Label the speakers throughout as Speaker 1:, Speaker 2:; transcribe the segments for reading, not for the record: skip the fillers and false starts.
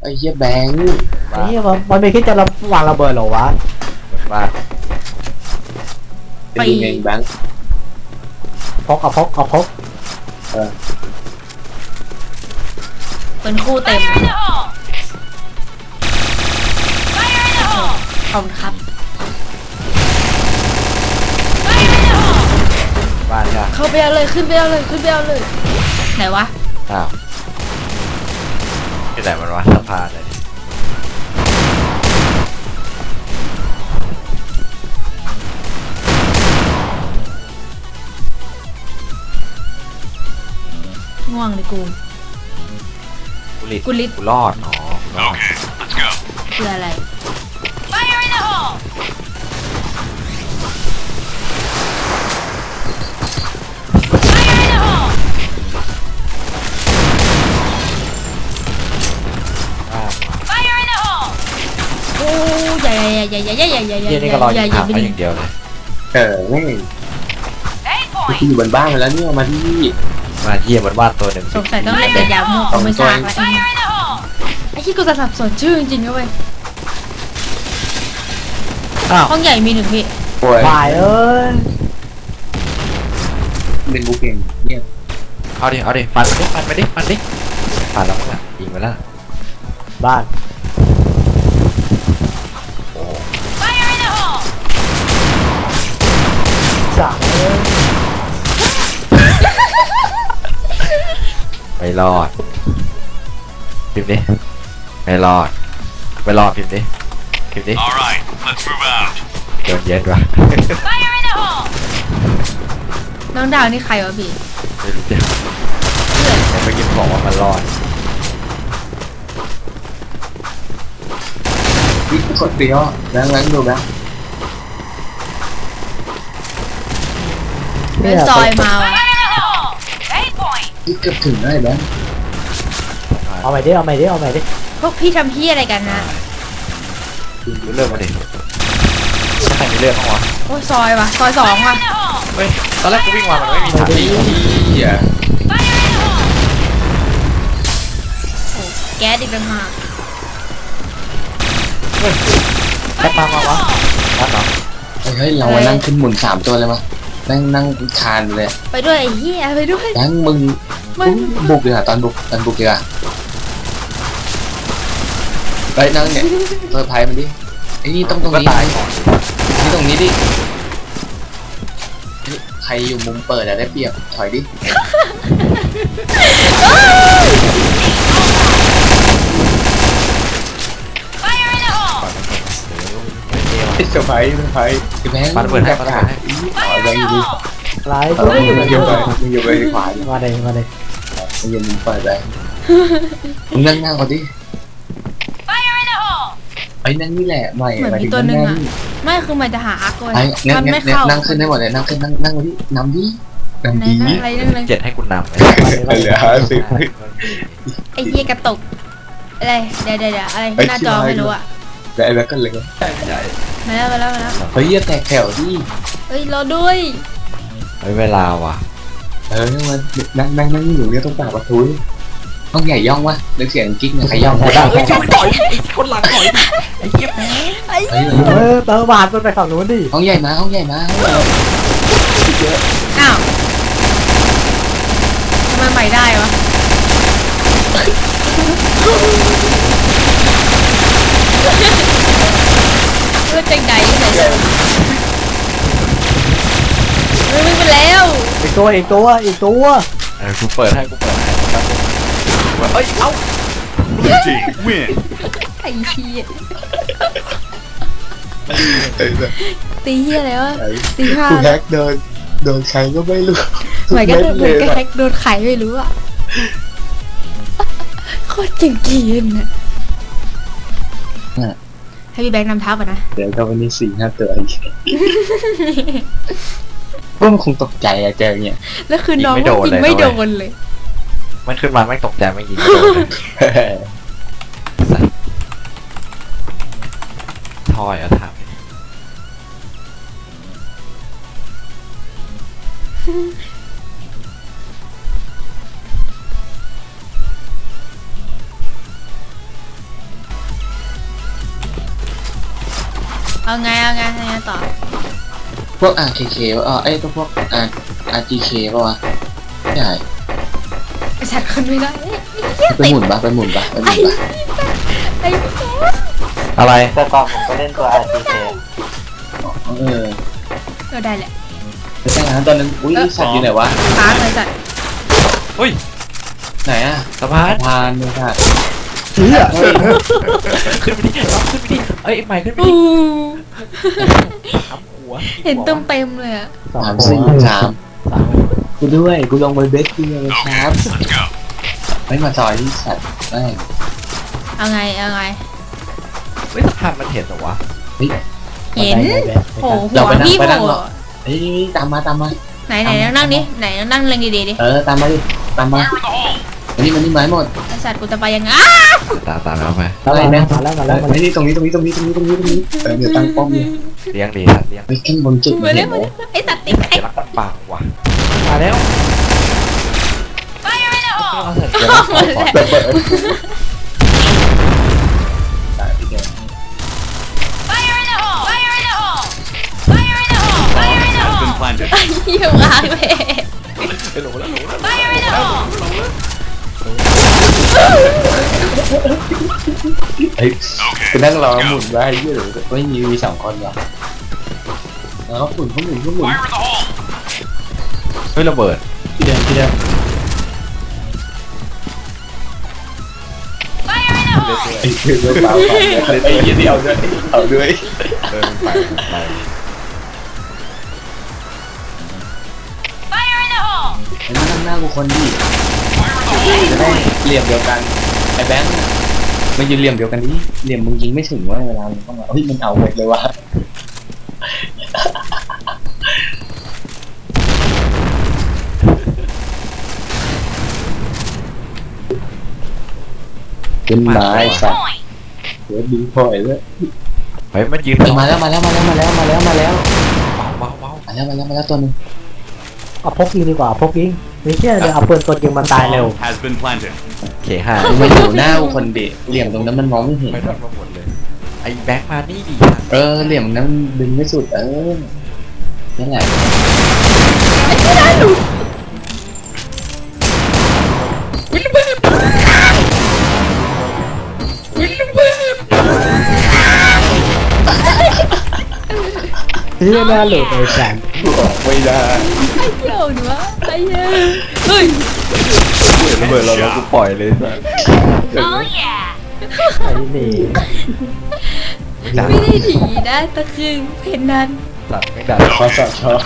Speaker 1: อ้เหี้ยแบงค์
Speaker 2: นี่มันไม่คิดจะวางระเบิดหรอวะ
Speaker 3: บ้าน
Speaker 1: เป็นยังไงแบงค์
Speaker 2: พกเอาพก
Speaker 4: เป็นคู่เต็มขอบคุณครับ
Speaker 3: บ้านใช่
Speaker 4: เข้าไปเอาเลยขึ้นไปเอาเลยขึ้นไปเอาเลยไหนวะ
Speaker 3: อ้าวที่ไหนมันวะสะพานเลย
Speaker 4: ง่วงเลยกู
Speaker 3: กุลิตกูรอดอ๋อกูรอด
Speaker 4: คืออะไร โอ้ยใหญ่
Speaker 3: เฮียนี่ก็รอยิงถังไปอย่างเดียวเลย
Speaker 1: ไม่ที่อยู่บนบ้านมาแล้วเนี่ยมาที่
Speaker 3: มาเฮียบนบ้านตัวหนึ่ง
Speaker 4: สงสัยต้องเล่นแต่ยาม่วงกูไม่ทราบแล้วไอ้ที่กูจะสับสนชื่อจริงๆนะเว้ย
Speaker 3: อ้าว
Speaker 4: ห้องใหญ่มีหนึ่งพี่
Speaker 1: ป่วย
Speaker 2: วายเอ้ย
Speaker 1: เป็นบุกเก่งเนี่ย
Speaker 3: เอาดิฟันไปดิฟันแล้วมึงอ่ะยิงไปแล้ว
Speaker 2: บ้าน
Speaker 3: โอ้
Speaker 2: สั่งเอ้ย
Speaker 3: ไม่รอดพิมพ์ดิไม่รอดพิมพ์ดิ
Speaker 5: All right, let's move out.
Speaker 3: โดนเย็นวะ
Speaker 4: น้องดาวนี่ใครวะพี่
Speaker 3: ไม่รู้จักแต่เมื่อกี้บอกว่ามันรอด
Speaker 1: นี่กดเดียวแบงค์ดูแบงค์
Speaker 4: เดินซอยมาว่ะ
Speaker 1: นี่เกือบถึงได้แบงค์
Speaker 2: เอาใหม่ดิ
Speaker 4: พวกพี่ทำพี่อะไรกันนะ
Speaker 3: รู้เรื่องมาดิถ้าใครมีเรื่องบ้างวะ
Speaker 4: โอ้ยซอยว่ะซอยสองว่ะ
Speaker 3: เฮ้ยตอนแรกกูวิ่งมามันไม่มีถัง
Speaker 1: ไอ้เหี้ย
Speaker 4: โอ้แก๊สอีกต่างหาก
Speaker 3: แค่มาวะนั่นเหรอ
Speaker 1: เฮ้ยเรานั่งขึ้นหมุน3 ตัวเลยมั้ยนั่งคานเลย
Speaker 4: ไปด้วยไอ้เหี้ยไปด้วย
Speaker 1: แบงค์มึงบุกเลยตอนบุกเลยไปนั่งเนี่ยเซอร์ไพรส์มันดิไอ้นี่ต้องตรง
Speaker 3: ก็
Speaker 1: นี้
Speaker 3: ตายก่อน
Speaker 1: นี่ตรงนี้ดิใครอยู่มุมเปิดอะได้เปรียบถอยดิเซอร์ไพรส์แบงค์
Speaker 3: มันเปิดให้มันเปิดให้
Speaker 1: แบงค์อยู่ดิ
Speaker 2: ไลฟ์
Speaker 1: มึงอยู่ไปขวา
Speaker 2: มาเลย
Speaker 1: มึงยืนมุมเปิดไปมึงนั่งหน้าก่อนดิไอ้นั่งนี่แหละใหม่
Speaker 4: เหมือนมีตัวหนึ่งอ่ะไม่คือมันจะหาอาร์กเลย
Speaker 1: ไอ้งั้
Speaker 4: มัน
Speaker 1: น
Speaker 4: ไม่เข้า
Speaker 1: นั่งขึ้นได้หมดเลยนั่งขึ้นนั่งมาดินำดิ
Speaker 4: ไหนนั่งอะไรนั่งเลย
Speaker 3: 7ให้คุณนำเลย
Speaker 1: เหลือ50
Speaker 4: ไอ้เหี้ยกระตุกอะไรเดี๋ยวอะไรที่หน้าจอไม่รู้อ่ะ
Speaker 1: แต่ไอ้แบงค์ก็เลย
Speaker 4: มาแล้ว
Speaker 1: เฮ้ยอย่าแตกแถวดิ
Speaker 4: เฮ้ยรอด้วย
Speaker 3: เฮ้ยเวลาว่ะ
Speaker 1: นั่งอยู่เนี่ยต้องปากประตูห้องใหญ่ย่องวะนึกเสียงกิ๊กเนี่ยใครย่อง
Speaker 3: เฮ้ยต่อยไอ้คนหลังต่อยไอ้เหี้ยแม่
Speaker 2: เติมบาทมันไปฝั่งนู้นดิ
Speaker 1: ห้องใหญ่มา
Speaker 4: อ้าวทำไมใหม่ได้วะเพื่อจังใดที่ไหนเลยไม่ไปแล้ว
Speaker 2: อีกตัว
Speaker 3: กูเปิดให้ครับเฮ้ยเอ้า
Speaker 5: Blue team win.
Speaker 4: ไอ้เหี้ยตีเหี้ยอะไรวะตีห้า
Speaker 1: กูแฮกโดนใครก็ไม่รู้
Speaker 4: เหมือนกันเหมือนกันแฮกโดนไขไม่รู้อ่ะโคตรเจ๋งเกียนอ่ะให้พี่แบงค์นำทัพอ่ะนะ
Speaker 1: เดี๋ยวก็วันนี้4-5 ตัวอีกพวกมันคงตกใจอะเจอเนี่ย
Speaker 4: แล้วคือน้องจริงไม่โดนเลย
Speaker 3: มันขึ้นมาไม่ตกใจไม่ยิงไม่โดนเลยทอยอะถาม
Speaker 4: เอาไงต่อ
Speaker 1: พวก RKK วะไอ้พวกRGK ป่ะวะไม่ใช่
Speaker 4: ไอสัตว์คนไม่ได้
Speaker 1: ไปหมุนปะไปหมุนปะ
Speaker 4: ไอ้ไอ้แก
Speaker 3: อะไร
Speaker 2: แต่ก่อนผมก็เล่นตัว RTK
Speaker 4: เราได้แหละ
Speaker 1: ไปใช่นะตอนนั้นอุ้ยสัตว์อยู่ไหนวะ
Speaker 4: ค้างเลยสัตว์
Speaker 3: เฮ้ย
Speaker 1: ไหนอะ
Speaker 3: สะพาน
Speaker 1: พานเลยค่ะ
Speaker 2: เฮีย
Speaker 3: ขึ้นไปดิขึ้นไปดิเอ้ยใหม่ขึ้นไป
Speaker 4: ปู
Speaker 3: ดิทำหัว
Speaker 4: เห็นเต็มเลยอะ
Speaker 2: สอง
Speaker 1: สาม
Speaker 2: คน
Speaker 1: สี่สาม
Speaker 2: สาม
Speaker 1: กูด้วยกูลงไปเบสกี้เลยครับ
Speaker 5: Let's go.
Speaker 1: ไม่มาซอยที่สัตว์ไม่
Speaker 4: เอาไง
Speaker 3: เฮ้ยสะพานมันเห็นเหรอวะ
Speaker 4: เห็นโผล่หั
Speaker 1: เรา
Speaker 4: ว
Speaker 1: ไปนั่ง
Speaker 4: พี่
Speaker 1: ไป
Speaker 4: โผ
Speaker 1: นั่ง
Speaker 4: ล่
Speaker 1: หรอเฮ้ยตามมา
Speaker 4: ไหนนั่งดิไหนนั่งเล็งดีๆดิ
Speaker 1: ตามมาดิตามมา
Speaker 5: Fire in the hole.
Speaker 1: อันนี้มันนี่ไม้หมด
Speaker 4: ไอสัตว์กูจะไปยังไง
Speaker 3: ตามแล้วไป
Speaker 1: อะไรนะ
Speaker 2: มาแล้วมาแล้วมา
Speaker 1: ไม่นี่ตรงนี้เดี๋ยวตั้งป้อมเลย
Speaker 3: เลี้ยงดีเลี้ยง
Speaker 1: ไปขึ้นบนจุด
Speaker 4: มา
Speaker 1: เห็
Speaker 4: เร็
Speaker 1: น
Speaker 4: ว
Speaker 1: ไหม
Speaker 4: ไอสัตว์ติ๊กไอ
Speaker 3: เดี๋ยวรักมันปากว่ะมาแล้วเอาเถอะเดี๋ยวรักมันปาก
Speaker 1: เปิดตายพี่แก
Speaker 5: Has been planted.
Speaker 4: อยู่กลางเลย
Speaker 3: ไปหลงแล้ว
Speaker 1: เฮ้ยกูนั่งรอหมุนไว้ให้ยืดไม่มี2 คนหรอแล้วก็หมุน
Speaker 5: Fire in the hole.
Speaker 3: เฮ้ยระเบิด
Speaker 1: ที่เดิมไอ้คือเรื่องเปล่าไอ้ยี่นี่เอาด้วย
Speaker 3: มันไป
Speaker 1: ไอ้นั่งหน้ากูคนดี
Speaker 5: Fire in the hole.
Speaker 1: จะได้เหลี่ยมเดียวกันไอ้แบงค์มายืนเหลี่ยมเดียวกันดิเหลี่ยมมึงยิงไม่ถึงว่าเวลามึงต้องมาเฮ้ยมันเอาหมดเลยว่ะเป็นไม้สัตว์เดี๋ยวดึงพอยเลย
Speaker 3: เฮ้ยมันยืน
Speaker 1: มาแล้ว
Speaker 3: เบาเบา
Speaker 1: ตัวนึง
Speaker 2: เอาพกยิงดีกว่าพกยิงไม่เชื่อเลยเอาปืนกดยิงมันตายเร็ว
Speaker 5: Bomb has been planted.
Speaker 3: เขห้า
Speaker 1: มันอยู่หน้าคนเด็กเหลี่ยมตรงนั้นมันมองไม่เห็น
Speaker 3: ไม่ทันมาหมดเลยไอ้แบงค์มานี่ดี
Speaker 1: เหลี่ยมนั้นดึงไม่สุดนั่นแหละ
Speaker 2: เฮียน่าหลุดเลยแสน
Speaker 1: บอกไม่ได้
Speaker 4: ไอ้เหี้ยหนูวะไอ้เหี้ยเฮ้ย
Speaker 3: ระเบิดเรากูปล่อยเลยสัส
Speaker 2: ไอ้นี่
Speaker 4: ไม่ได้ดีนะตะคืนเพนนั้น
Speaker 3: สัตว์ไม่ดัน
Speaker 1: ขอสอบชอบ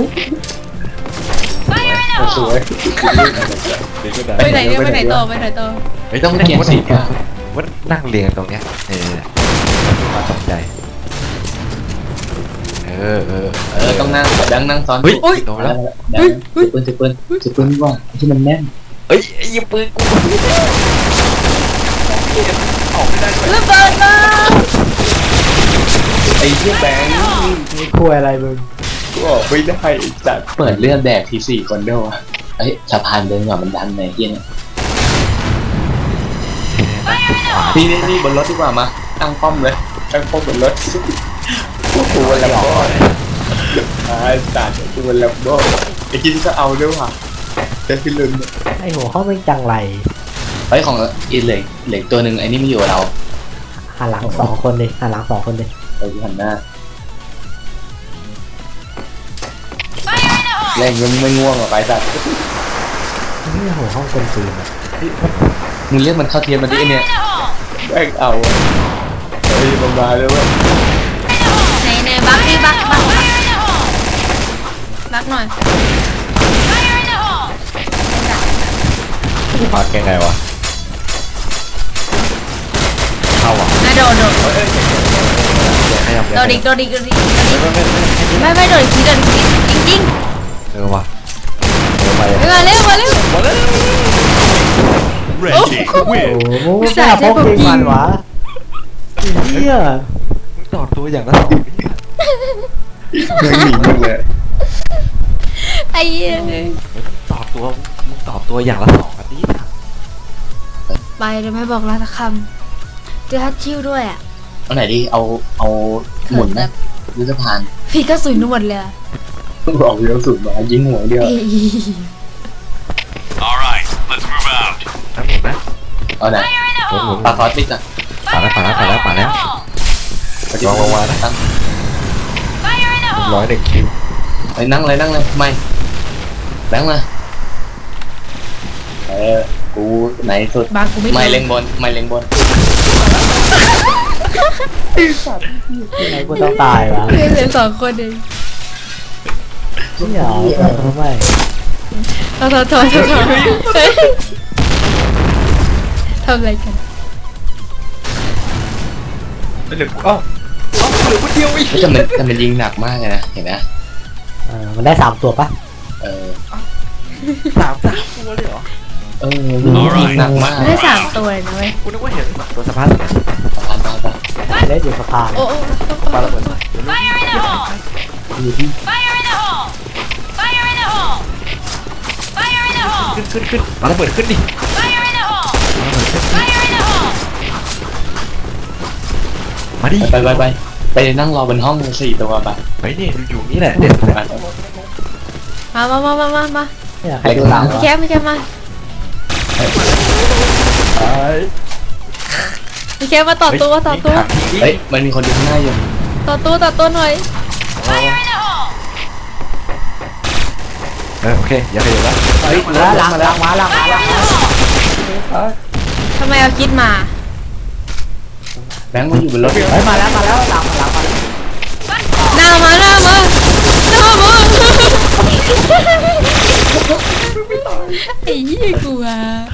Speaker 5: Let's go.
Speaker 1: สวย
Speaker 3: ดีก็ดัน
Speaker 4: ไปไหนเนี่ยไปไหนต่อ
Speaker 3: ไม่ต้องเกียร์สีว่านั่งเรียงตรงเนี้ยมาตกใจ
Speaker 1: ต้องนั่งดังนั่งซ้อน
Speaker 3: เฮ้ยโดน
Speaker 1: แล้
Speaker 3: แล้ว ว
Speaker 1: ถือปืนดีกว่าที่มันแน่น
Speaker 3: เฮ้ยยิงปืนกูออกไม่ได้ด้วย
Speaker 4: ระเบิดมา
Speaker 1: ไอ้เหี้ยแบงค์
Speaker 2: มีคุยอะไรมึง
Speaker 1: กูออกไม่ได้จัดเปิดเลือดแดกที4 คนด้วยวะสะพานเดินก่อนมันดันในเหี้ยเนี่ยนี่บนรถดีกว่ามาตั้งป้อมเลยตั้งป้อมบนรถพวกกูวันละบ่จัดกูวันละบ่ไอ้กินก็เอาด้วยว่ะเจะขึ้นลืม
Speaker 2: ไอ้หัวเขาไม่จังไร
Speaker 1: ของอีเหล็กตัวหนึ่งไอ้นี่ไม่อยู่กับเรา
Speaker 2: หันหลัง2 คนดิหันหลัง2 คนดิ
Speaker 1: เราอยู่หันหน้าแรงมึงไม่ง่วงหรอไปสัตว์
Speaker 2: นี่หัวห้องเป็นปืน
Speaker 1: มึงเรียกมันเข้าเทียมมาดิเนี่ยแม่งเอาเฮ้ยมันมาเลยเว้ย
Speaker 4: ไหนบักดิบักหน่อย
Speaker 3: พักยังไงวะเข้าอ่ะ
Speaker 4: โดด
Speaker 3: ขยับ
Speaker 4: โดดอีกไม่โดดอีกทีจริง
Speaker 3: ว่ะไป
Speaker 4: มาเร็ว
Speaker 5: Red team
Speaker 2: โอ้
Speaker 5: win.
Speaker 2: โหไม่กล้าพกยิงมันวะเฮีย
Speaker 3: มึงต่อตัวอย่างละ2
Speaker 1: ไม่หนีมึงเลย
Speaker 4: ไอ้เหี้ย
Speaker 3: ต่อตัวอย่างละ2อันนี้
Speaker 4: ไปเดี๋ยวไม่บอกลาสักคำเจอฮัตชิวด้วยอ่ะ
Speaker 1: เอาไหนดีเอาหมุนนะยุทธพาน
Speaker 4: พี่ก็สุยนวดเลยอะ
Speaker 1: บอกเลี้ยวสุดมายิงหัวเดียว
Speaker 4: เอ้ย
Speaker 5: All right, let's move out.
Speaker 3: น้ำหมุนนะ
Speaker 1: เอาไหน
Speaker 3: หมุนหมุน
Speaker 1: ปลาคอสติกอะ
Speaker 3: ป่าแล้วป่าแล้วป่าแล้วป่าแล้ว ลองวางนะ
Speaker 1: ตั้ง
Speaker 3: 101 คิว
Speaker 1: ไปนั่งเลยไม่แบงค์มากูไหนสุด
Speaker 4: บางกูไม่
Speaker 1: ไม่
Speaker 4: โดน
Speaker 1: เล็งบนไม่เล็งบน
Speaker 2: ยังไงกูต้องตายวะ
Speaker 4: เหลือ2 คนเอง
Speaker 2: นี่เหรอไม่
Speaker 4: โทษเฮ้ยทำอะไรกัน
Speaker 3: เหลืออ้าวเหลือคนเดียวอีก
Speaker 1: แต่มันยิงหนักมากเลยนะเห็นนะ
Speaker 2: มันได้3 ตัวปะ
Speaker 1: เออ
Speaker 3: 3 ตัวเลยเหรอ
Speaker 1: ยิงหนักมาก
Speaker 4: ได้3 ตัวเลยนะเว้ย
Speaker 3: กูนึกว่าเห็นตัวสะพาน
Speaker 1: ปาน
Speaker 2: เล่นอยู่สะพาน
Speaker 4: โอ้
Speaker 3: ปาระเบิด
Speaker 1: อยู่ที่
Speaker 3: ขึ้นปาระเบิดขึ้นดิมาดิ
Speaker 1: ไปนั่งรอบนห้อง4 ตัวไป
Speaker 3: ไปนี่อยู่นี่แหละเด็ด
Speaker 4: มา
Speaker 2: เนี่ยใครดูหลัง
Speaker 4: พี่
Speaker 2: วะ
Speaker 4: แคมพี่แคมมาพี่แคมมาต่อตัว
Speaker 1: เฮ้ยมันมีคนอยู่ข้างหน้าอยู่
Speaker 4: ต่อตัวหน่อย
Speaker 3: โอเคอย่าไปเดี๋ยวละ
Speaker 2: เฮ้ยหลังมา
Speaker 4: ทำไมเอาคิดมา
Speaker 1: แบงค์มันอยู่บนรถ
Speaker 2: เฮ้ยมาแล้วหลังมา
Speaker 4: หน้ามาไอ้ยี่กลัว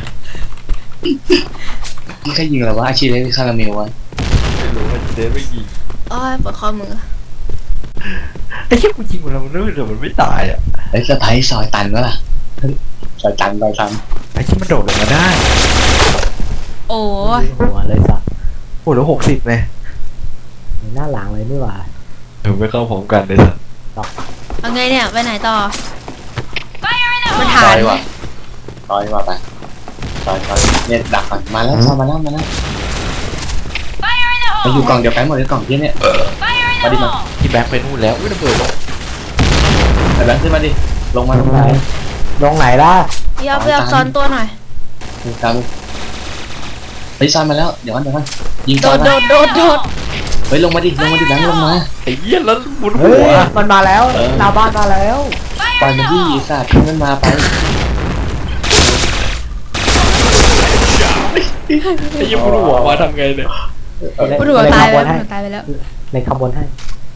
Speaker 1: ที่ใครยิงเราวะอาชีพเล่นคาราเมลวะ
Speaker 3: ไม่รู้ว่าเดนไม่ยิง
Speaker 4: อ้อยปวดข้อมือ
Speaker 3: ไอ้แค่กูยิงมันแล้วมันเดี๋ยวมันไม่ตายอ่ะ
Speaker 1: เฮ้ยสะพายซอยตันวะล่ะซอยตัน
Speaker 3: ไอ้ที่มันโดดลงมาได้
Speaker 4: โอ้
Speaker 2: หัวเลยสัตว์
Speaker 3: โอ้แล้ว60เลย
Speaker 2: หน้าหลังเลยนี่หว่า
Speaker 3: ไม่เข้าพร้อมกันเลยสัส
Speaker 4: เอาไงเนี่ยไปไหนต่อมา
Speaker 1: ซ
Speaker 4: ถา
Speaker 1: อน ยว่ะไปซอยเนี่ยดักก่อนมาแล้วมาอยู่กล่องเดียวกันหมดเลยกล่องที่เนี่ยมาดิมา
Speaker 3: ที่แบ็คไปนู่นแล้วอุ้ยระเบิดลง
Speaker 1: แต่แบงค์ขึ้นมาดิลงมา
Speaker 2: ลงไหนล่ะ
Speaker 4: พี่เอาซ้อนตัวหน่อย
Speaker 1: ตามเฮ้ยซอยมาแล้วเดี๋ยวกันยิง
Speaker 4: โด
Speaker 1: ซอย
Speaker 4: ด
Speaker 1: มา
Speaker 4: โดด
Speaker 1: เฮ้ยลงมาดิแบงค์ลงมา
Speaker 3: ไอ้เหี้ยแล้วหมุน
Speaker 2: เฮ้
Speaker 3: หั
Speaker 2: ยว มันมาแล้วหน้าบ้านมาแล้ว
Speaker 1: ปล่อยมันดิสัตว์ขึ้นมันมาไป
Speaker 3: ไอ้เหี้ยหมุนหัวมาทำไงเนี่ย
Speaker 4: ปวดหัวตายไปแล้ว
Speaker 2: ในขบวนให้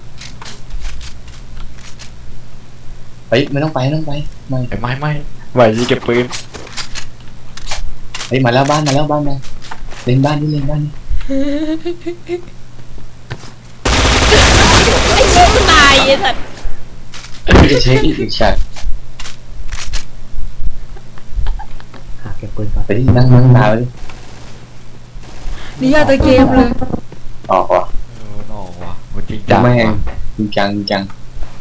Speaker 1: เฮ้ยไม่ต้องไปไม่
Speaker 3: ไม่ไหวยิงเก็บปืน
Speaker 1: เฮ้ยมาแล้วบ้านมาเล่นบ้านนี่
Speaker 4: ตายไอ้สัตว์
Speaker 1: จะเช็คอีกแชท
Speaker 2: หาเก็บปืนก่อน
Speaker 1: ไปที่นั่งนาวดิ
Speaker 4: นี่ยาตัวเกมเลย
Speaker 1: ออกว่ะ
Speaker 3: นอกว่ะมันจริงจัง
Speaker 1: แม่ง
Speaker 3: ว่ะ
Speaker 1: จริงจัง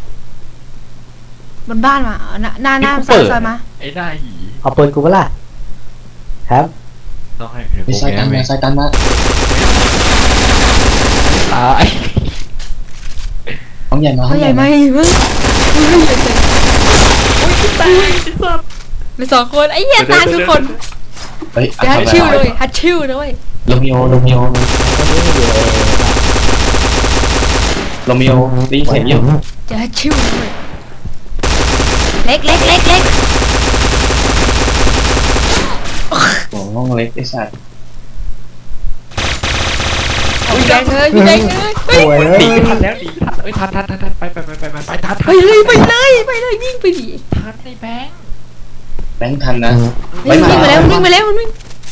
Speaker 4: บนบ้านมาหน้าซอยมา
Speaker 3: ไอ้หน้าหี
Speaker 2: เอาปืนกูเปล่าครับ
Speaker 3: ต้องให้เดี๋ยว
Speaker 1: ไป
Speaker 3: กู
Speaker 1: ซอยตัน
Speaker 3: แง้
Speaker 1: มาซอยตันมา
Speaker 3: ตาย
Speaker 1: ห้องใหญ่มา
Speaker 4: เขาใหญ่ไหมมึงตายมี2 คนไอ้เหี้ยตายทุกคน
Speaker 1: เฮ้ย
Speaker 4: ฮัตชิวเลยฮัตชิวนะเว้ย
Speaker 1: โรมิโอได้ยินเสียงอยู่
Speaker 4: จะฮัตชิวนะเว้ยเล็ก
Speaker 1: โอ้ห้องเล็กไอ้สัตว์
Speaker 4: พี่แดงเลยเฮ้ย
Speaker 2: โอ้ย
Speaker 3: หนีทันแล้วหนีทันเอ้ยทันไปทัน
Speaker 4: ไปเลยวิ่งไปดิ
Speaker 3: ทันในแบงค์
Speaker 1: แบงค์ทันนะ
Speaker 4: วิ่งมาแล้วมันวิ่ง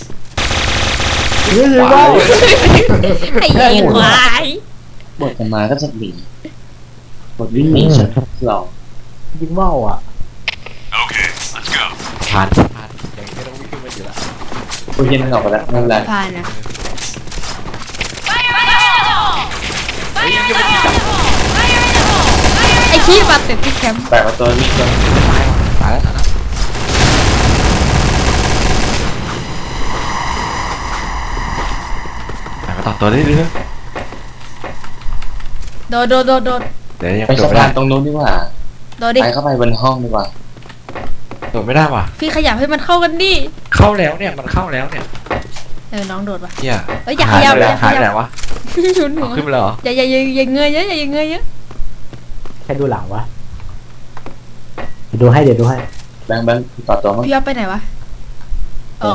Speaker 2: ว้าว
Speaker 4: ไอ้เหี้ยควาย
Speaker 1: บทมาก็จะหนีบทวิ่งหนีฉันหลอก
Speaker 2: ยิงว่าวอ่ะ
Speaker 5: Okay, let's go.
Speaker 3: ทันอย่างนี้ต้องวิ่งขึ้นมาอยู่ละ
Speaker 1: กูเย็นออกไปแล้วนั่นแหละ
Speaker 4: ผ่านนะ
Speaker 3: เฮ้ยยังไม่จับ
Speaker 4: ไอ้ขี้บาดเจ็บที่แคมป์
Speaker 1: แปลว่าตัวมีตัว
Speaker 3: ตายแล้วไปมาต่อตัวได้เรื่อย
Speaker 4: โดดโดดโดดโดด
Speaker 3: เดี๋ยวยัง
Speaker 1: ไป
Speaker 3: โด
Speaker 1: สะ
Speaker 3: ดไม่
Speaker 1: พา
Speaker 3: ได้
Speaker 1: นตรงนู้นดีกว่า
Speaker 4: โดดดิ
Speaker 1: ไปเข้าไปบนห้องดีกว่า
Speaker 3: โดดไม่ได้ว่ะ
Speaker 4: พี่ขยับให้มันเข้ากันดิ
Speaker 3: เข้าแล้วเนี่ยมันเข้าแล้วเนี่ย
Speaker 4: น้องโดดว่ะ
Speaker 3: เฮีย
Speaker 4: เอ้ยอย่าขยับ
Speaker 3: หายไปไหนวะ
Speaker 4: หนุนหั
Speaker 3: เอา
Speaker 4: ว
Speaker 3: ขึ้นไปแล้วเหรอ
Speaker 4: อย่าเงยเยอะอย่าเงยเยอะ
Speaker 2: แค่ดูหลังวะเดี๋ยวดูให้เดี๋ยวดูให้
Speaker 1: แบงค์ต่อตัวมั้ง
Speaker 4: พี่อ๊อฟไปไหนวะอ๋อ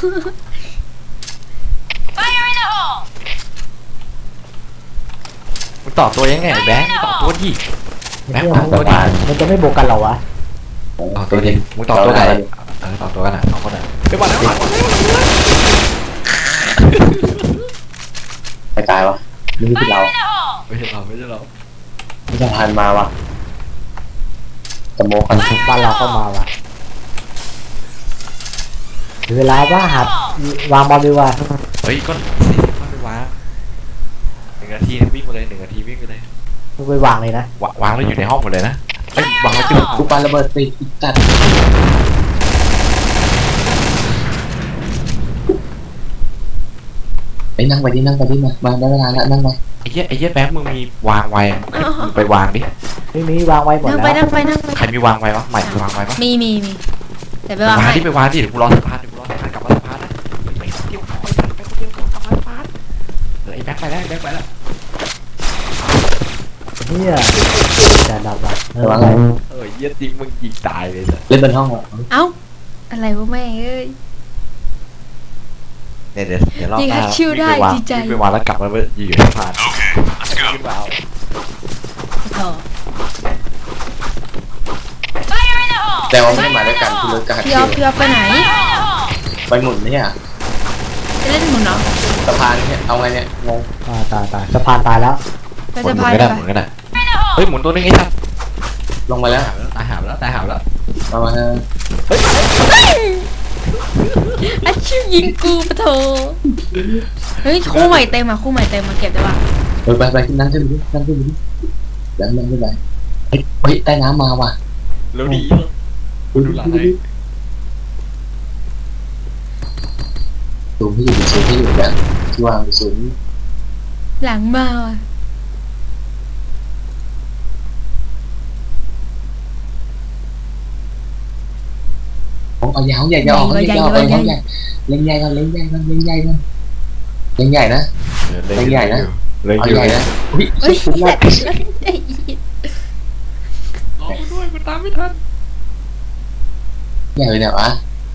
Speaker 3: มึงต่อตัวยังไงแบงค์ต่อตัวดิ
Speaker 2: ไอ้เหี้ยมันจะไม่บวกกันเหรอวะ
Speaker 3: ต่อตัวดิมึงต่อตัวไหนต่อตัวกันอ่ะ2 คนอ่ะไปบอลแล้ว
Speaker 1: ไปตายวะนี่คือเรา
Speaker 3: ไม่ใช่เราไม่ใช่เรา
Speaker 1: ไม่สะพานมาวะสโมกัน
Speaker 2: บ้านเราเข้ามาวะเหลือเวลาว่าหัดวางบอลดีกว่า
Speaker 3: เฮ้ยก็40มันไปวาง1 นาทีวิ่งไปเลย1 นาทีวิ่งไปเลย
Speaker 2: มึงไปวางเลยนะ
Speaker 3: วางแล้วอยู่ในห้องหมดเลยนะเฮ้ยวางแล้วจุด
Speaker 1: กูปาระเบิดติดอีกจัดไปนั่งไปดินั่งไปดิมาได้เวลาแล้วนั่งไป
Speaker 3: ไอ้เหี้ยแบงค์มึงมีวางไว้มึงไปวางดิ
Speaker 2: ไม่มีวางไว้หมด
Speaker 4: นั่ง
Speaker 2: แล้ว
Speaker 4: ไปนั่งไปนั่งไป
Speaker 3: ใครมีวางไว้วะใหม่วางไว้ปะ
Speaker 4: มีแต่ไป
Speaker 3: ไป
Speaker 4: วาง
Speaker 3: วาง
Speaker 4: ให้
Speaker 3: ที่ไปวางที่เดี๋ยวกูรอสะพานกลับมาสะพานนะไปเที่ยวไปสัตว์ไปเที่ยวกลับมาสะพานไอ้แบงค์ไปแล้วไปแล้ว
Speaker 2: เนี่ยจะดับว่ะ
Speaker 1: ระวังเลย
Speaker 3: เหี้ยจริงมึงยิงตายเลยสัส
Speaker 1: เล่นบนห้องเหรอ
Speaker 4: เอ้าอะไรวะแม่เอ้ย
Speaker 3: เนี่ยเดี๋ยวรอบ
Speaker 4: ยิง
Speaker 3: หน้า
Speaker 4: ฮัตชิวได้
Speaker 3: วิ่ง
Speaker 4: ดีใจ
Speaker 3: ไปวางแล้วกลับมาอยู่สะพาน
Speaker 5: Okay, let's go.
Speaker 3: ขึ้นมาเอา
Speaker 4: โถ่
Speaker 1: แต่ว่าไม่ได้มาด้วยกันคือรถกระหัด
Speaker 4: พี่อ๊อฟไปไหน
Speaker 1: ไปหมุนเนี่ย
Speaker 4: จะเล่นหมุนเนาะ
Speaker 1: สะพานเนี่ยเอาไงเนี่ยงง
Speaker 2: ตายสะพานตายแล้ว
Speaker 4: ไป
Speaker 3: หมุ
Speaker 4: สะ
Speaker 3: น
Speaker 4: พาน
Speaker 3: ก็
Speaker 4: ไป
Speaker 3: ได้หมุนก็ได้เฮ้ยหมุนตัวนึงไอ้สัส
Speaker 1: ลงมาแล้ว
Speaker 3: ตายหามแล้วตายหามแล้ว
Speaker 1: มามา
Speaker 4: อาชิวยิงกูปะโถเฮ้ยคู่ใหม่เต็มอ่ะคู่ใหม่เต็มมาเก็บได้ปะ
Speaker 1: ไปนั่งขึ้นไปดินั่งขึ้นไปดิแล้วนั่งขึ้นไปเฮ้ยใต้น้ำมาว่ะ
Speaker 3: แล้วดี ดูหลังให้
Speaker 1: สูงที่อยู่สูงที่อยู่นะที่วางสูง
Speaker 4: หลังมาว่ะ
Speaker 1: เอายาวใหญ่จะออกเขาใหญ่เอาใหญ่เล่นใหญ่กันเล่นใหญ่กันเล่นใหญ่กันเล่นใหญ่นะ
Speaker 3: เล่นใหญ่นะเล่น
Speaker 1: เอา
Speaker 3: ให
Speaker 1: ให
Speaker 3: ญ่
Speaker 1: ญ่
Speaker 3: นะ
Speaker 1: นะอุ้ย
Speaker 4: เฮ้ย
Speaker 1: สุดยอด
Speaker 3: รอกูด้วยกูตามไม่ทัน
Speaker 1: ใหญ่เลยเนี่ยวะ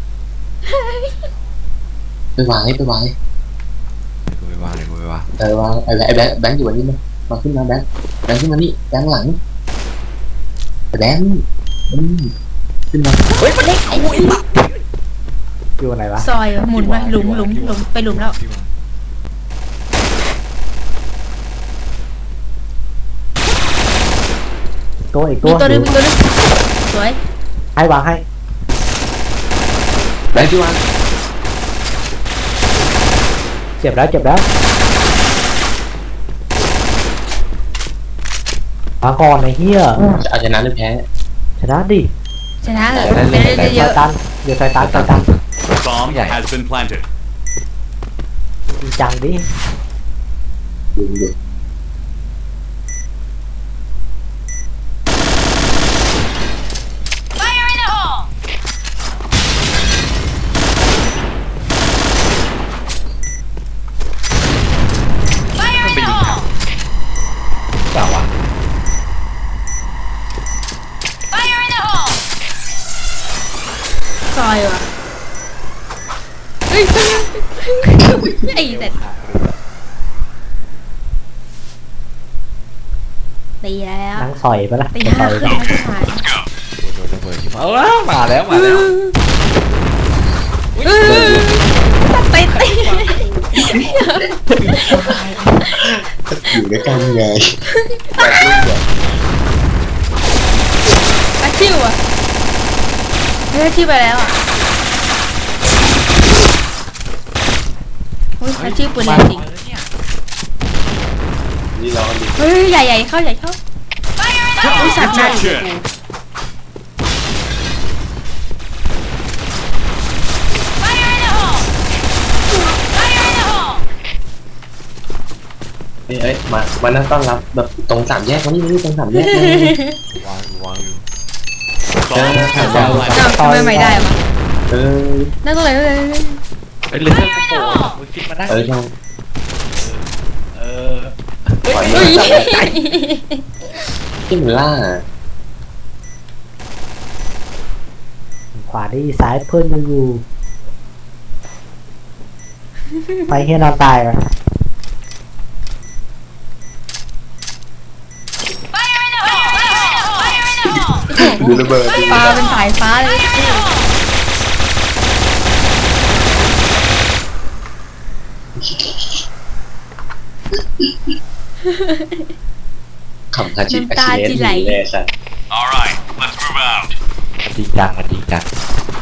Speaker 1: ไปวางให้ไปวางให้
Speaker 3: กูไปวางเลยกูไปวาง
Speaker 1: วางไอ้แบงค์อยู่วันนี้มั้ยมาขึ้นมาแบงค์ขึ้นมานี่แบงค์หลังแบงค์ขึ้นมา
Speaker 4: เฮ้ยมันเล็กไอ้นี่
Speaker 2: อยู่ไหนวะ
Speaker 4: ซอยว่ะหมุนไปหลุมไปหลุมแล้ว
Speaker 2: ตัวอีก
Speaker 4: มี
Speaker 2: ตัว
Speaker 4: ตัวนึงสวย
Speaker 2: ให้วางให้
Speaker 1: แบงค์ที่วาง
Speaker 2: เจ็บแล้วมาก่อนไอ้เหี้ย
Speaker 1: จะเอาชนะหรือแพ้
Speaker 2: ชนะดิ
Speaker 4: ชนะเหรอ
Speaker 3: เล่น
Speaker 4: เย
Speaker 2: ซอ
Speaker 4: อะ
Speaker 2: ยตันเดี๋ยวซอยตัน
Speaker 5: Bomb
Speaker 3: Yeah.
Speaker 5: has been planted.
Speaker 2: จริงจังดิ
Speaker 1: ดู
Speaker 3: มันไปยิงทางเปล่าวะ
Speaker 4: ซอยว่ะเฮ้ยไอ้แต่ตีแล้ว
Speaker 2: นั่งซอยปะล่ะ
Speaker 4: ตี
Speaker 2: ซ
Speaker 4: ห้า
Speaker 2: อย
Speaker 4: ขึ้นไม่ผ่าน
Speaker 3: โดนระเบิดขึ้นมาแล้วมาแล้ว
Speaker 4: ตี
Speaker 1: อยู่ด้วยกันไง
Speaker 4: อาชิวอ่ะอาชิวไปแล้วอ่ะอุ้ยอาชิวปืนแรงจริง
Speaker 1: นี่ร้อนดิ
Speaker 4: เฮ้ยใหญ่เข้าอุ้ยสัตว์หน้าอยู่กู
Speaker 1: ไเอ้ยมานั่งต้อนรับแบบตรงสามแยกนี่ตรงสามแยก
Speaker 3: วางอยู่
Speaker 1: เออสามแยก
Speaker 4: อ้าวทำไมไม่ได้วะ
Speaker 1: เออ
Speaker 4: นั่งตรงไหนเลย
Speaker 3: เอ้ยเลเซอร์กูโผล่มึงคิดมาได้
Speaker 1: เออช่าง
Speaker 3: เออ
Speaker 1: ปล่อย
Speaker 4: เฮ้
Speaker 1: มื
Speaker 4: ย
Speaker 1: อจับที่มันล่า
Speaker 2: ขวาดีซ้ายเพื่อนยังอยู่ไปเฮียนอนตายก่อน
Speaker 1: ดูระเบิด
Speaker 4: ปลาเป็นสายฟ้าเลย
Speaker 1: ขำคาจิอาชิเลสเลยสัตว์
Speaker 5: All right, let's move out.
Speaker 3: มันจริงจังมันจริงจัง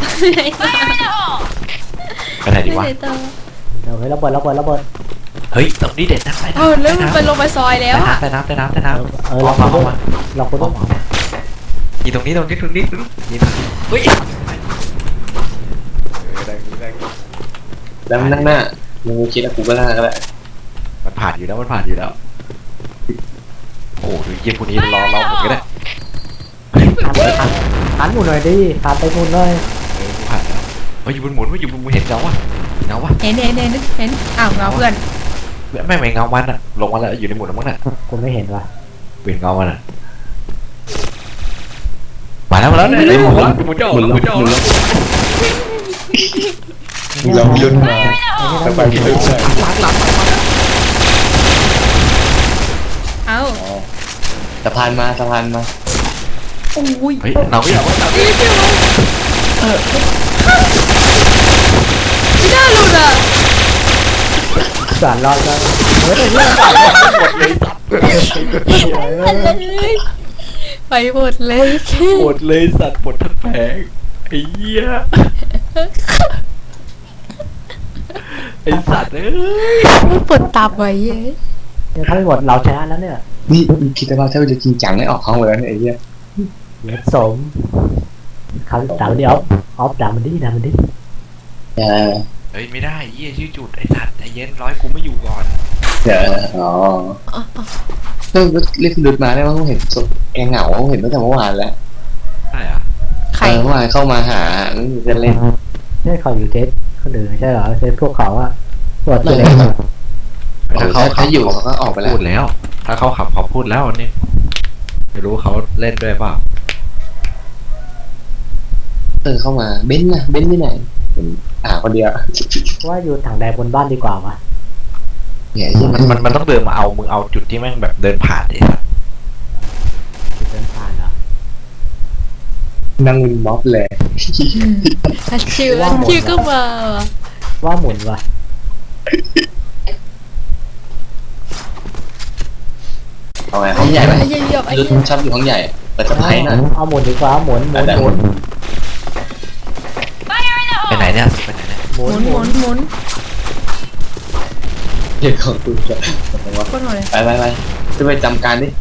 Speaker 3: ไปไหนดีวะ
Speaker 2: เดี๋ยวเฮ้ยระเบิด
Speaker 3: เฮ้ยตรงนี้เด็ดนะไป
Speaker 4: เออแล้วมันไปลงไปซอยแล้วอะ
Speaker 3: ใต้น้ำ
Speaker 2: เออ
Speaker 3: เอา
Speaker 2: เรา
Speaker 3: มา
Speaker 2: คน
Speaker 3: เอามา
Speaker 2: เราคนต้อง
Speaker 3: อีตรงนี้ยิงเฮ้ยได้
Speaker 1: แล้วนั่งหน้ามึงคิดว่ากูก็ล่าก็ได้
Speaker 3: มันผ่านอยู่แล้วโอ้ดูเยี่ยมคนนี้รอหมุนก็ได้
Speaker 2: หันหมุนหน่อยดิหันไปหมุนหน่อย
Speaker 3: ผ่านแล้วเฮ้ยอยู่บนหมุนเห็นเงาวะ
Speaker 4: เห็นอ้าวเงาเพื่อน
Speaker 3: ไม่เงามันอะลงมาแล้วอยู่ในหมุนแล้วมั้งน่ะ
Speaker 2: กูไม่เห็นว่ะ
Speaker 3: เห็นเงามันอะมาแล้วเนี่ยหมุนจะออกแล้ว
Speaker 1: เราลุ้นมาสบายที่สุดเลย
Speaker 4: เอ้า
Speaker 1: สะพานมา
Speaker 4: โอ้ย
Speaker 3: เฮ้ยเราไม่อยากว่าเรา
Speaker 4: นี่พี่วะไม่น่าหลุดอ่ะ
Speaker 2: สารรอดก็เฮ้ยเรื่อง
Speaker 4: ไปหมดเลย
Speaker 3: ปวดเลยสัตว์ปวดทั้งแผงไอ้เหี้ยไอ้สัตว์เอ้ย
Speaker 4: ปวดตับไว้เย้ย
Speaker 2: ถ้าไม่หมดเราชนะแล้วเนี่ย
Speaker 1: นี่คิดว่าถ้าจะจริงจังได้ออกห้องแล้วเนี่ยไอ้เหี้ย
Speaker 2: เดี๋ยวสมเขาด่ามันดิออฟด่ามันดิ
Speaker 1: เออ
Speaker 3: เฮ้ยไม่ได้เหี้ยชื่อจุดไอ้สัตว์ใจเย็นร้อยกูไม่อยู่ก่อน
Speaker 1: อ๋อก็เรียกดุดมาได้ว่าเขาเห็นแกเหงาเห็นตั้งแต่เมื่อวานแล้ว
Speaker 3: ใช่อะ
Speaker 4: ใคร
Speaker 1: เมื่อวานเข้ามาหาไม่มีเพื่อนเล่น
Speaker 2: ใช่เขาอยู่เทสคนอื่นใช่เหรอเทสพวกเขาอะตัวเล็ก
Speaker 1: เขาอยู่เขาก็ออกไปแล้ว
Speaker 3: พูดแล้ว ถ้าเขาขับเขาพูดแล้วนี่ไม่รู้เขาเล่นด้วยเปล่า
Speaker 1: เข้ามาเบนซ์นะเบนซ์ที่ไหนคนเดียว
Speaker 2: ว่าอยู่ถังแดงบนบ้านดีกว่าวะ
Speaker 1: เนี่ย
Speaker 3: มันต้องเดินมาเอามึงเอาจุดที่แม่งแบบเดินผ่านดิ
Speaker 2: จุดเดินผ่านเหรอ
Speaker 1: นั่งวินม็อบเลย
Speaker 4: อันชื่อก็มาว่ะ
Speaker 2: ว่าหมุนวะ
Speaker 1: เอาไงห้องใหญ่ไหม
Speaker 4: ไอ้เหี้ยเหี้ยไอ้
Speaker 1: ดุด
Speaker 4: เหี้ย
Speaker 1: ชอบอยู่ห้องใหญ่เปิดสะพายหน่อย
Speaker 2: เอาหมุนดีกว่าหมุน
Speaker 3: ไปไหนเนี่ยไปไหนเนี่ย
Speaker 2: หมุ
Speaker 4: หมุน
Speaker 1: เดี๋ยวของกูจะ
Speaker 4: โคตรโหดเลย
Speaker 1: ไปจะไปจำการดิ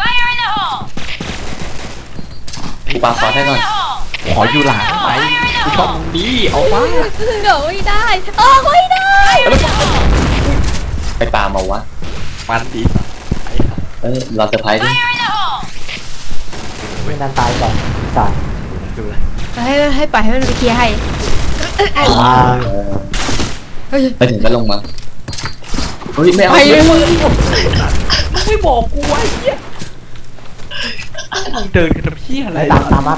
Speaker 1: กูปาฟอสให้ก่อน
Speaker 3: ขออยู่หลังไปกูชอบมึงดีเอาวะ
Speaker 4: เดี๋ยวไม่ได้ออกไม่ได้
Speaker 1: ไปปามาวะ
Speaker 3: มันดี
Speaker 1: รอเซอร์ไพรส์ดิ
Speaker 2: ไม่นานตายก่อนสาย
Speaker 3: ดูเลย
Speaker 4: ให้ปล่อยให้มันไปเคลียร์ให้ เฮ้ย
Speaker 1: ไปถึงก็ลงมาเฮ้ยไม่เอา
Speaker 4: ไปเลย
Speaker 3: ไม่บอกกูไว้เหี้ยมึงเดินกันทำเหี้ยอะไร
Speaker 2: ตามมา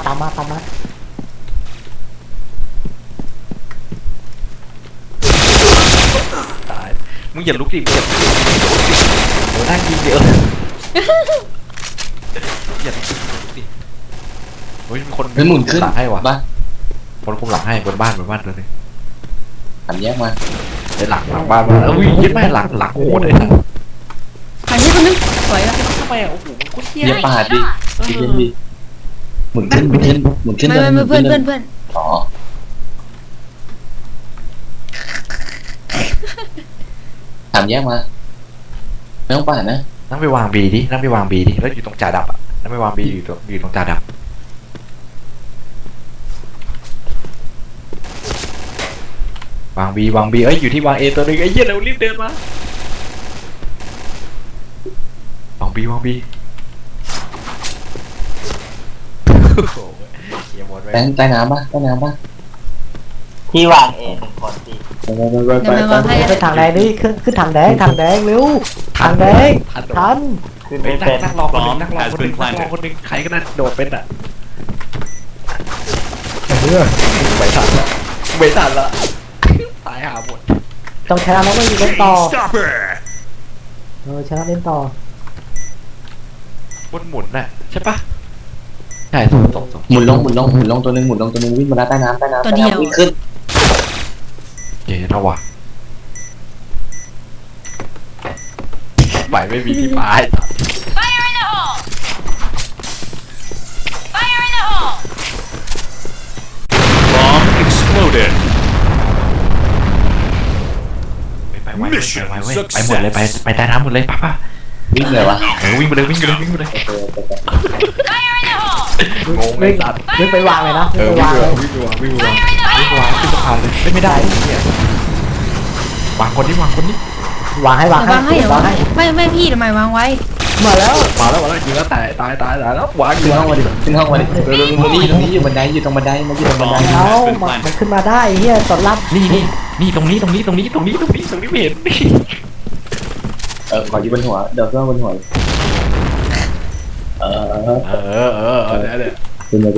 Speaker 3: ตายมึงอย่าลุกดิมึงอย่าโอ้นั่งยิงเดี๋ยวอย่าลุกดิเฮ้ยมีคน
Speaker 1: เฮ้ยหมุนขึ้น
Speaker 3: หลังให้วะ
Speaker 1: บ้า
Speaker 3: คนคุมหลังให้บนบ้านเลย
Speaker 1: สามแยกมา
Speaker 3: ไอ้หลังบ้านมาอุ้ยยึดแม่หลังโหดเลยนะ
Speaker 4: ไปที่คนนึงสวยอ่ะ
Speaker 3: ทำไมอ่ะโอ้โหมึงโคตรเหี้ย
Speaker 1: เยี่ยปาดดิดิหมุนขึ้น
Speaker 4: ไม่เพื่อน
Speaker 1: อ๋อสามแยกมาไม่ต้องปาดนะ
Speaker 3: นั่งไปวางบีดิแล้วอยู่ตรงจ่าดับอ่ะนั่งไปวางบีอยู่ตรงจ่าดับวางบีเอ้ยอยู่ที่วางเอตัวนึงไอ้เหี้ยเรารีบเดินมาบีวางบีอย่าหมดไป
Speaker 1: แบงค์ใต้น้ำปะใต้น้ำปะ
Speaker 6: ที่วางเองหนึ่งคนสิ
Speaker 1: ไป
Speaker 4: เดี๋ยวมาวางให้
Speaker 2: ขึ้นทางแดงดิขึ้นทางแดงเร็วทางแดงทัน
Speaker 6: ขึ้น
Speaker 3: ไป
Speaker 6: ไม่เป็น
Speaker 3: นั่งรอคนหนึงนั่งรอคนหนึงนั่งรอคนหนึงใครก็ได้โดดเป็นอ่ะไม่ทันละไม่ทันละตายหาหมด
Speaker 2: ต้องชนะแล้วก็อยู่เล่นต่อ
Speaker 5: Stop it!
Speaker 2: ชนะเล่นต่อบ
Speaker 3: นหมุนน่ะใช่ปะใช่ส่ง
Speaker 1: หมุนลงตัวหนึงวิ่งมาแล้วใต้น้ำวิ่งขึ้น
Speaker 3: เจ๋งนะวะไปไม่มีที่ปลาย
Speaker 4: Fire in the hole Fire in the hole
Speaker 5: Bomb exploded.
Speaker 3: ไปไวเว้ยไปหมดเลยไปใต้น้ำหมดเลยป่ะ
Speaker 1: วิ่งเลยวะ
Speaker 3: วิ่งไปเลยวิ่งไปเลย
Speaker 4: Fire in the hole
Speaker 3: งงเลยสัตว์
Speaker 2: วิ่งไปวางเลยนะวิ่งไปวางเลย
Speaker 3: วิ่งวางขึ้นสะพานเลยไม่ได้เนี่ยวางคนนี้
Speaker 2: วางให้
Speaker 4: เดี๋ยววางให้เดี๋ยววางให้ไม่พี่ทำไมวางไว้
Speaker 2: มาแล้ว
Speaker 3: มาแล้วยิงแล้วตายแล้ววาง
Speaker 1: ขึ้นห้องมาดิตรงนี้อยู่บันไดอยู่ตรงบันไดมันอยู่ตรงบันได
Speaker 2: เอามันขึ้นมาได้เฮียตอนรับ
Speaker 3: นี่ตรงนี้ไม่เห็น
Speaker 1: ขออยู่บนหัวเดี๋ยวเครื่องบนหัวเนี่ย ขึ้นมาดิ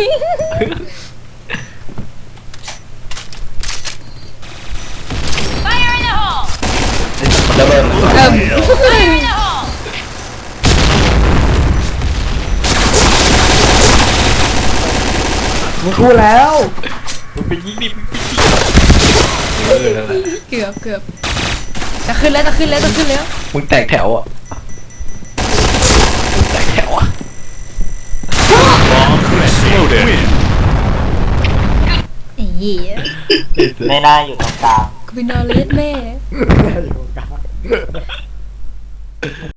Speaker 4: Fire in the hole
Speaker 1: ระเบิด
Speaker 4: Fire in the hole
Speaker 2: มึงพูดแล้ว
Speaker 3: มึงไปยิงดินั่นแหละ
Speaker 4: เกือบจะขึ้นแล้ว
Speaker 3: มึงแตกแถวอ่ะ
Speaker 5: Bomb exploded.
Speaker 4: ไอ้เหี้ย
Speaker 6: ไม่น่าอยู่ตรงกลาง
Speaker 4: กูไปนอนเลสแม่